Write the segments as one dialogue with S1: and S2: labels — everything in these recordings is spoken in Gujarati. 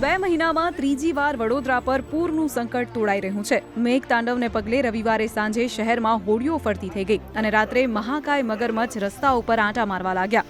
S1: 2 મહિનામાં ત્રીજી વાર વડોદરા પર પૂરનું સંકટ તોડાઈ રહ્યું છે। મેઘતાંડવને પગલે રવિવારે સાંજે શહેરમાં હોડીઓ ફરતી થઈ ગઈ અને રાત્રે મહાકાય મગરમચ્છ રસ્તા ઉપર આંટા મારવા લાગ્યા।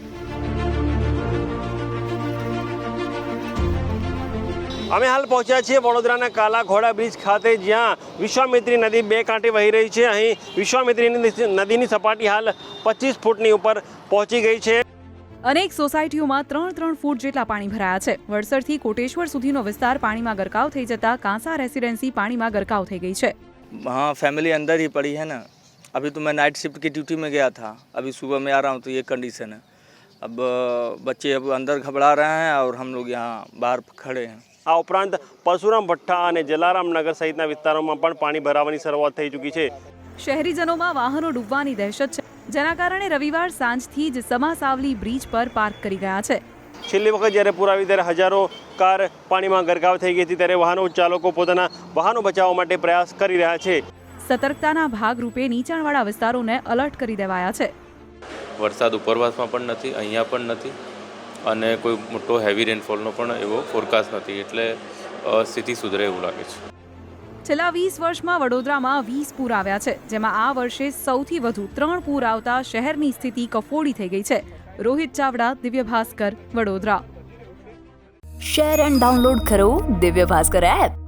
S2: અમે હાલ પહોંચ્યા છીએ વડોદરાના કાલા ઘોડા બ્રિજ ખાતે, જ્યાં વિશ્વામિત્રી નદી બે કાંઠે વહી રહી છે। અહીં વિશ્વામિત્રી નદીની સપાટી હાલ 25 ફૂટની ઉપર પહોંચી ગઈ છે।
S1: અનેક સોસાયટીઓમાં 3-3 ફૂટ જેટલા પાણી ભરાયા છે। વડસરથી કોટેશ્વર સુધીનો વિસ્તાર પાણીમાં ગરકાવ થઈ જતા કાંસા રેસિડેન્સી પાણીમાં ગરકાવ થઈ ગઈ છે।
S3: हाँ, फैमिली अंदर ही पड़ी है ना। अभी तो मैं नाइट शिफ्ट की ड्यूटी में गया था, अभी सुबह में आ रहा हूँ तो ये कंडीशन है। अब बच्चे अब अंदर घबरा रहे हैं और हम लोग यहाँ बाहर खड़े हैं।
S2: આ ઉપરાંત પરશુરામ ભઠ્ઠા અને જલારામ નગર સહિતના વિસ્તારોમાં પણ પાણી ભરાવાની શરૂઆત થઈ ચૂકી છે।
S1: શહેરીજનોમાં વાહનો ડૂબવાની દહેશત છે, જેના કારણે રવિવાર સાંજથી જ સમાસાવલી બ્રિજ પર પાર્ક કરી ગયા છે।
S2: છેલ્લી વખત જ્યારે પૂર આવી ત્યારે હજારો કાર પાણીમાં ગરકાવ થઈ ગઈ હતી, ત્યારે વાહનો ચાલકો પોતાના વાહનો બચાવવા માટે પ્રયાસ કરી રહ્યા છે।
S1: સતર્કતાના ભાગરૂપે નીચાણવાળા વિસ્તારોને અલર્ટ કરી દેવાયા છે।
S4: વરસાદ ઉપરવાસમાં પણ નથી, અહીંયા પણ નથી અને કોઈ મોટો હેવી રેનફોલનો પણ એવો ફોરકાસ્ટ નથી, એટલે સ્થિતિ સુધરે એવું લાગે છે।
S1: છેલ્લા 20 વર્ષમાં વડોદરામાં 20 પૂર આવ્યા છે, જેમાં આ વર્ષે સૌથી વધુ 3 પૂર આવતા શહેરની સ્થિતિ કફોડી થઈ ગઈ છે। Rohit Chavda, Divya Bhaskar, Vadodara.
S5: Share and download કરો દિવ્ય ભાસ્કર એપ।